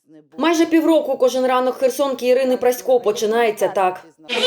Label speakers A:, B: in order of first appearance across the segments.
A: Майже півроку кожен ранок херсонки Ірини Прасько починається так.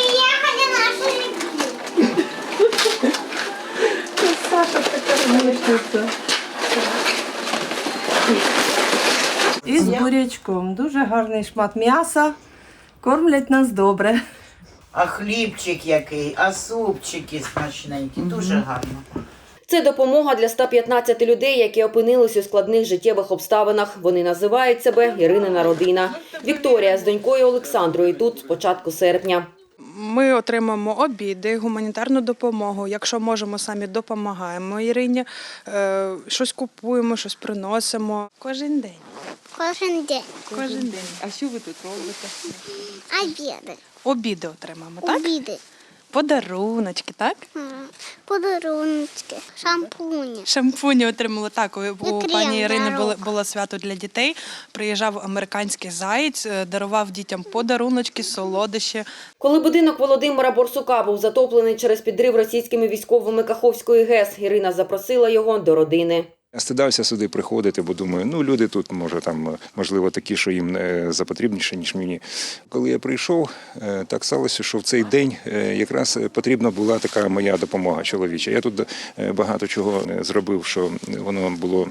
B: І з бурячком. Дуже гарний шмат м'яса. Кормлять нас добре.
C: А хлібчик який, а супчики смачненькі, дуже гарно.
A: Це допомога для 115 людей, які опинились у складних життєвих обставинах. Вони називають себе Іринина родина. Вікторія з донькою Олександрою тут з початку серпня.
D: Ми отримаємо обіди, гуманітарну допомогу. Якщо можемо, самі допомагаємо Ірині. Щось купуємо, щось приносимо. Кожен день.
E: Кожен день.
D: Кожен день.
B: А що ви тут робите?
E: Обіди.
D: Обіди отримаємо, так?
E: Обіди.
D: Подаруночки, так?
E: Подарунки. Шампуні.
D: Шампуні отримали. Так, у
E: крем
D: пані Ірини
E: для рук.
D: було свято для дітей. Приїжджав американський заєць, дарував дітям подаруночки, солодощі.
A: Коли будинок Володимира Борсука був затоплений через підрив російськими військовими Каховської ГЕС, Ірина запросила його до родини.
F: Я стидався сюди приходити, бо думаю, люди тут, можливо, такі, що їм запотрібніше, ніж мені. Коли я прийшов, так сталося, що в цей день якраз потрібна була така моя допомога чоловіча. Я тут багато чого зробив, що воно було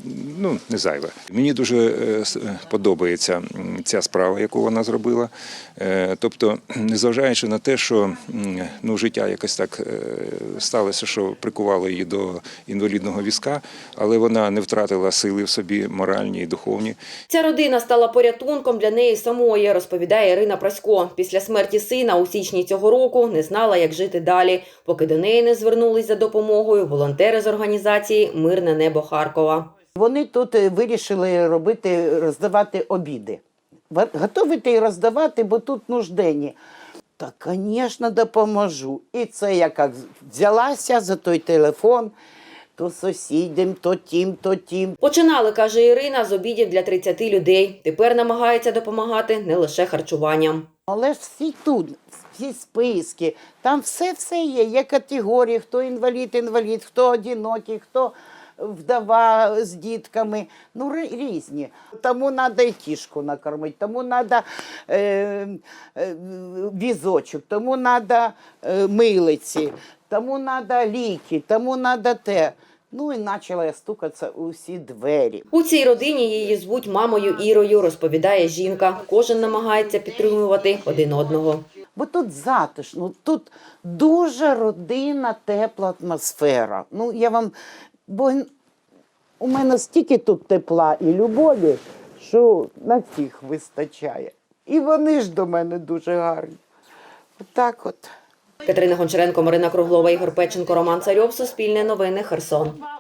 F: не зайве. Мені дуже подобається ця справа, яку вона зробила. Тобто, незважаючи на те, що життя якось так сталося, що прикувало її до інвалідного візка, але вона не втратила сили в собі, моральні і духовні.
A: Ця родина стала порятунком для неї самої, розповідає Ірина Прасько. Після смерті сина у січні цього року не знала, як жити далі, поки до неї не звернулись за допомогою волонтери з організації «Мирне небо Харкова».
C: Вони тут вирішили роздавати обіди. Готовити і роздавати, бо тут нужденні. Так, звісно, допоможу. І це я як взялася за той телефон, то сусідям, то тім.
A: Починали, каже Ірина, з обідів для 30 людей. Тепер намагається допомагати не лише харчуванням.
C: Але ж всі тут, всі списки, там все є. Є категорії, хто інвалід, хто одинокий, хто вдова з дітками. Різні. Тому треба і кішку накормити, тому треба візочок, тому треба милиці, тому треба ліки, тому треба те. І почала я стукатися у всі двері.
A: У цій родині її звуть мамою Ірою, розповідає жінка. Кожен намагається підтримувати один одного.
C: Бо тут затишно, тут дуже родинна, тепла атмосфера. Бо у мене стільки тут тепла і любові, що на всіх вистачає. І вони ж до мене дуже гарні. Отак от.
A: Катерина Гончаренко, Марина Круглова, Ігор Печенко, Роман Царьов, Суспільне новини, Херсон.